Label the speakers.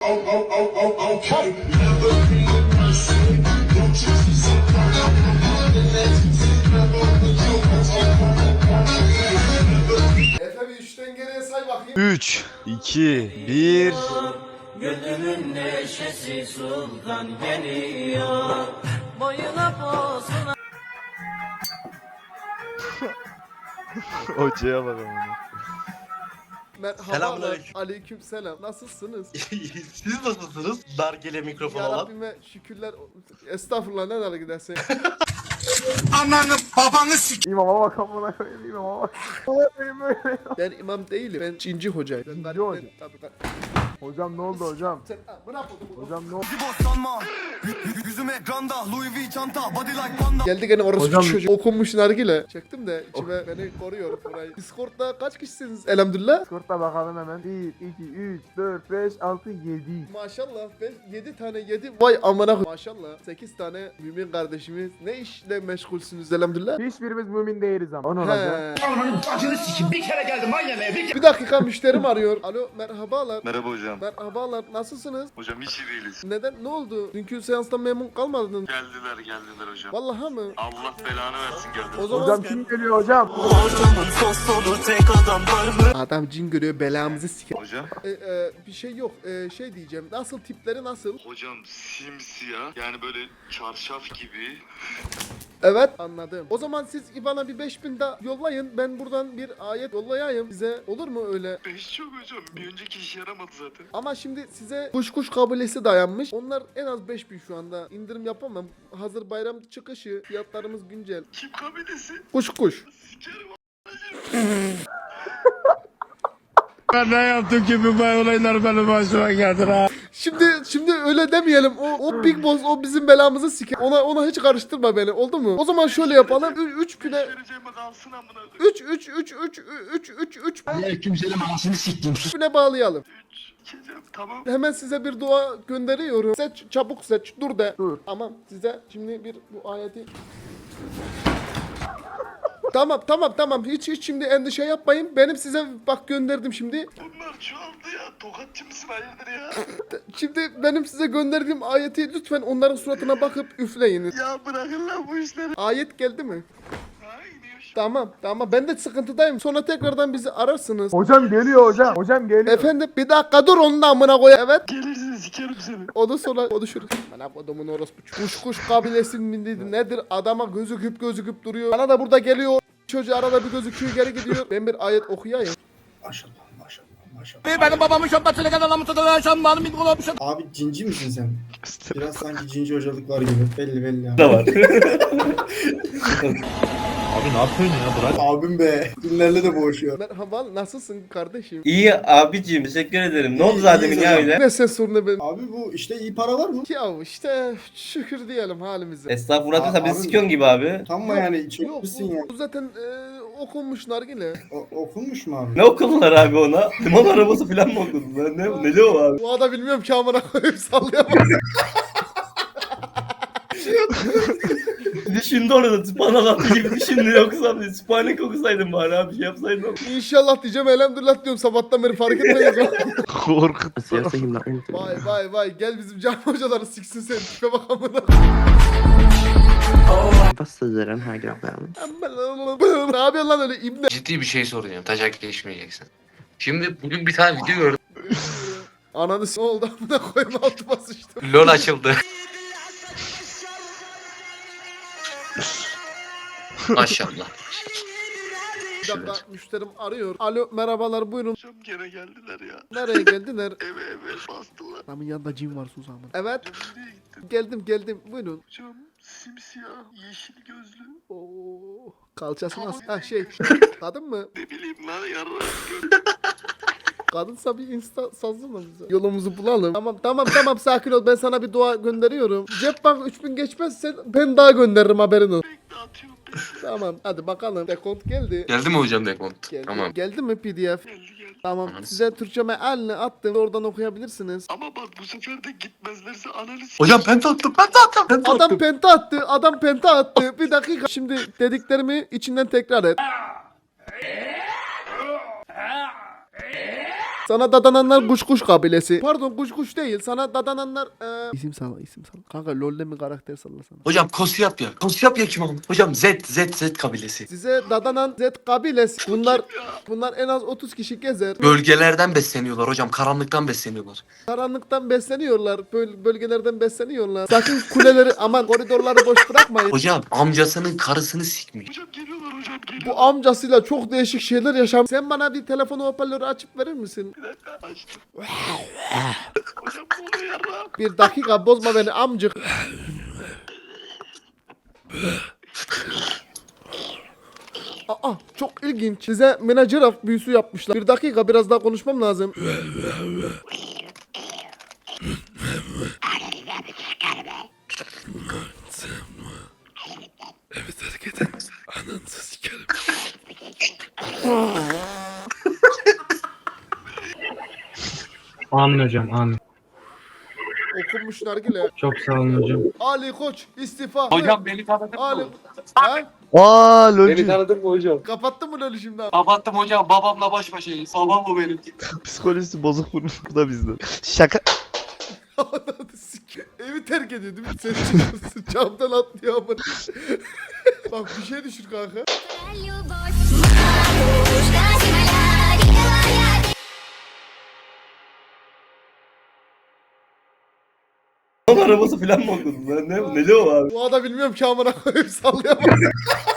Speaker 1: Efe bir 3'ten geriye say bakayım.
Speaker 2: 3, 2, 1.
Speaker 3: Gönlümün neşesi sultan geliyor. Boyuna posuna.
Speaker 2: Hocaya bak ama.
Speaker 1: Merhaba.
Speaker 4: Selamünaleyküm.
Speaker 1: Aleyküm selam. Nasılsınız?
Speaker 4: Siz nasılsınız? Nargile mikrofon
Speaker 1: Ya
Speaker 4: olan.
Speaker 1: Rabbime şükürler. Estağfurullah ne kadar gidersin.
Speaker 4: Ananı babanı sik.
Speaker 5: İmama bak amına koyayım imama bak. Benim öyle.
Speaker 1: Ben imam değilim. Ben cinci hocayım. Ben
Speaker 5: Cinci hoca.
Speaker 1: Tabii.
Speaker 5: Hocam ne oldu hocam?
Speaker 1: Sen bırak onu.
Speaker 5: Hocam ne oldu?
Speaker 4: Sanma. Yüzüm ekranda. Louis V çanta. Body like panda.
Speaker 1: Geldi gene orası
Speaker 5: Hocam-
Speaker 1: çocuk. Okunmuş nargile. Çektim de içime beni koruyor burayı. Discord'da kaç kişisiniz? Elhamdülillah.
Speaker 5: Discord'da bakalım hemen. 1, 2, 3, 4, 5, 6, 7.
Speaker 1: Maşallah ben 7 tane 7 vay amına koy- Maşallah 8 tane mümin kardeşimiz ne işle meşgulsünüz elhamdülillah.
Speaker 5: Hiçbirimiz mümin değiliz ama. O ne olacak?
Speaker 1: He. Bir dakika müşterim arıyor. Alo merhabalar.
Speaker 2: Merhaba hocam.
Speaker 1: Merhabalar nasılsınız?
Speaker 2: Hocam hiç iyi değiliz.
Speaker 1: Neden ne oldu? Dünkü seanstan memnun kalmadın.
Speaker 2: Geldiler hocam.
Speaker 1: Vallahi mı?
Speaker 2: Allah belanı versin geldi.
Speaker 1: O zaman
Speaker 5: Hocam kim geliyor hocam?
Speaker 1: adam cin görüyor belamızı siker.
Speaker 2: Hocam.
Speaker 1: Bir şey yok. Şey diyeceğim. Nasıl tipleri nasıl?
Speaker 2: Hocam simsiyah yani böyle çarşaf gibi.
Speaker 1: Evet anladım. O zaman siz bana bir 5000 daha yollayın. Ben buradan bir ayet yollayayım size. Olur mu öyle?
Speaker 2: 5 çok hocam. Bir önceki işe yaramadı zaten.
Speaker 1: Ama şimdi size kuş kabilesi dayanmış. Onlar en az 5000 şu anda. İndirim yapamam. Hazır bayram çıkışı. Fiyatlarımız güncel.
Speaker 2: Kim kabilesi?
Speaker 1: Kuş.
Speaker 2: Sikerim.
Speaker 6: Ben ne yaptım ki bu olaylar benim başıma geldi ha.
Speaker 1: Şimdi öyle demeyelim. O Big Boss o bizim belamızı siker. Ona hiç karıştırma beni. Oldu mu? O zaman şöyle yapalım. 3 güne
Speaker 2: Vereceğime kalsın amına koyayım.
Speaker 1: 3 güne bağlayalım.
Speaker 2: 3 içeceğim tamam.
Speaker 1: Hemen size bir dua gönderiyorum. Seç çabuk seç. Dur de.
Speaker 5: Dur.
Speaker 1: Tamam size şimdi bir bu ayeti Tamam. Hiç şimdi endişe yapmayın. Benim size bak gönderdim şimdi.
Speaker 2: Bunlar çoğaldı ya. Tokatçı mısın hayırdır ya?
Speaker 1: Şimdi benim size gönderdiğim ayeti lütfen onların suratına bakıp üfleyiniz.
Speaker 2: Ya bırakın lan bu işleri.
Speaker 1: Ayet geldi mi?
Speaker 2: Ha iniyor şu.
Speaker 1: Tamam. Ben de sıkıntıdayım. Sonra tekrardan bizi ararsınız.
Speaker 5: Hocam geliyor hocam. Hocam geliyor.
Speaker 1: Efendim bir dakika dur onun da amına koy. Evet.
Speaker 2: Gelirsin sikerim seni.
Speaker 1: Onu sonra konuşuruz. Bana kodumun orospu. Kuş kabilesi mi nedir? Adama gözüküp duruyor. Bana da burada geliyor. Çocuğu arada bir gözüküyor geri gidiyor. Ben bir ayet okuyayım.
Speaker 7: Maşallah.
Speaker 6: Benim babamın şapkasıyla kadar tutulan şambanın bir kulağım şap.
Speaker 7: Abi cinci misin sen? Biraz sanki cinci hocalık var gibi. Belli ya.
Speaker 4: Da var.
Speaker 8: Abi ne yapıyorsun ya bırak.
Speaker 7: Abim be. Günlerle de boğuşuyor.
Speaker 1: Merhaba nasılsın kardeşim?
Speaker 4: İyi abicim teşekkür ederim. Ne oldu zaten ya öyle?
Speaker 1: Ne ses sorunu benim?
Speaker 7: Abi bu işte iyi para var mı?
Speaker 1: Ya işte şükür diyelim halimize.
Speaker 4: Estağfurullah
Speaker 7: Abi-
Speaker 4: sen bizi sikiyorsun gibi abi.
Speaker 7: Tam mı
Speaker 1: Yok,
Speaker 7: yani
Speaker 1: Yok
Speaker 7: içmişsin ya?
Speaker 1: bu zaten okunmuş nargile.
Speaker 7: Okunmuş mu abi?
Speaker 4: Ne okudular abi ona? Limon arabası falan mı okudular? Ne o abi?
Speaker 1: Bu da bilmiyorum ki amına koyup sallayamam.
Speaker 4: Düşündü orada tıpanalatı gibi düşündü yoksa Sübhanek okusaydım bari abi şey yapsaydım.
Speaker 1: İnşallah diyeceğim elhamdülillah diyorum sabahtan beri fark etmeyiz.
Speaker 2: Korkut.
Speaker 1: Vay gel bizim cami hocaları siksin seni tipe bak amına. Ne yapıyorsun lan öyle ibne?
Speaker 9: Ciddi bir şey soracağım. Taşak geçmeyeceksin. Şimdi bugün bir tane video gördüm.
Speaker 1: Ananı ne oldu amına koyma altıma sıçtım.
Speaker 9: LOL açıldı. Maşallah.
Speaker 1: Bir dakika müşterim arıyor. Alo merhabalar buyurun.
Speaker 2: Hocam gene geldiler ya.
Speaker 1: Nereye geldiler?
Speaker 2: Eve bastılar.
Speaker 1: Adamın yanında cin var sus amına. Evet
Speaker 2: Hocam nereye gittin?
Speaker 1: geldim buyurun.
Speaker 2: Hocam simsiyah, yeşil gözlü.
Speaker 1: Oo, kalçası nasıl? Ha şey kadın mı?
Speaker 2: Ne bileyim lan yarrak.
Speaker 1: Kadınsa bir insta sazlama bize. Yolumuzu bulalım. Tamam sakin ol ben sana bir dua gönderiyorum. Cep bank 3000 geçmezse ben daha gönderirim haberin olsun.
Speaker 2: Bekle atıyorum.
Speaker 1: Tamam hadi bakalım. Dekont geldi.
Speaker 9: Geldi mi hocam dekont?
Speaker 1: Geldi.
Speaker 9: Tamam.
Speaker 1: Geldi mi PDF?
Speaker 2: Geldi.
Speaker 1: Tamam
Speaker 9: Ananı
Speaker 1: size Türkçe mealini attım. Oradan okuyabilirsiniz.
Speaker 2: Ama bak bu sefer de gitmezlerse analiz.
Speaker 9: Hocam ben tattım.
Speaker 1: Adam penta attı. Bir dakika. Şimdi dediklerimi içinden tekrar et. Sana dadananlar kuş kuş kabilesi. Pardon kuş kuş değil. Sana dadananlar isim salla. Kanka LoL'de mi karakter sallasana.
Speaker 9: Hocam Kosyapya. Kosyapya kim abi? Hocam Z kabilesi.
Speaker 1: Size dadanan Z kabilesi. Bunlar en az 30 kişi gezer.
Speaker 9: Bölgelerden besleniyorlar hocam. Karanlıktan besleniyorlar.
Speaker 1: Karanlıktan besleniyorlar. Bölgelerden besleniyorlar. Sakın kuleleri aman koridorları boş bırakmayın.
Speaker 9: Hocam amcasının karısını sikmiş.
Speaker 2: Hocam geliyorlar hocam geliyor.
Speaker 1: Bu amcasıyla çok değişik şeyler yaşam. Sen bana bir telefonu hoparlörü açıp verir misin?
Speaker 2: Açtım. Hocam bu oluyor yarrağım.
Speaker 1: Bir dakika bozma beni amcık. Aa çok ilginç. Size menajer büyüsü yapmışlar. Bir dakika biraz daha konuşmam lazım.
Speaker 6: Evet hareket et. Ananı sikerim.
Speaker 8: Amin hocam amin.
Speaker 1: Okunmuş nargile.
Speaker 8: Çok sağ olun hocam.
Speaker 1: Ali Koç istifa.
Speaker 9: Hocam beni tanıdın
Speaker 1: Ali.
Speaker 9: mı?
Speaker 1: Ha?
Speaker 5: Aa
Speaker 9: Beni tanıdın mı hocam?
Speaker 1: Kapattın mı LoL'ü şimdi?
Speaker 9: Kapattım hocam. Babamla baş başayız. Babam bu benim.
Speaker 5: Psikolojisi bozuk bunun. Bu da bizden. Şaka.
Speaker 1: Ananı sikeyim. Evi terk ediyor değil mi? Sen çıkıyorsun camdan atlıyor ama. Bak bir şey düşür kanka.
Speaker 4: Onun arabası falan mı okudun lan? Neli o abi?
Speaker 1: Bu adam bilmiyorum ki amına koyayım sallayamaz.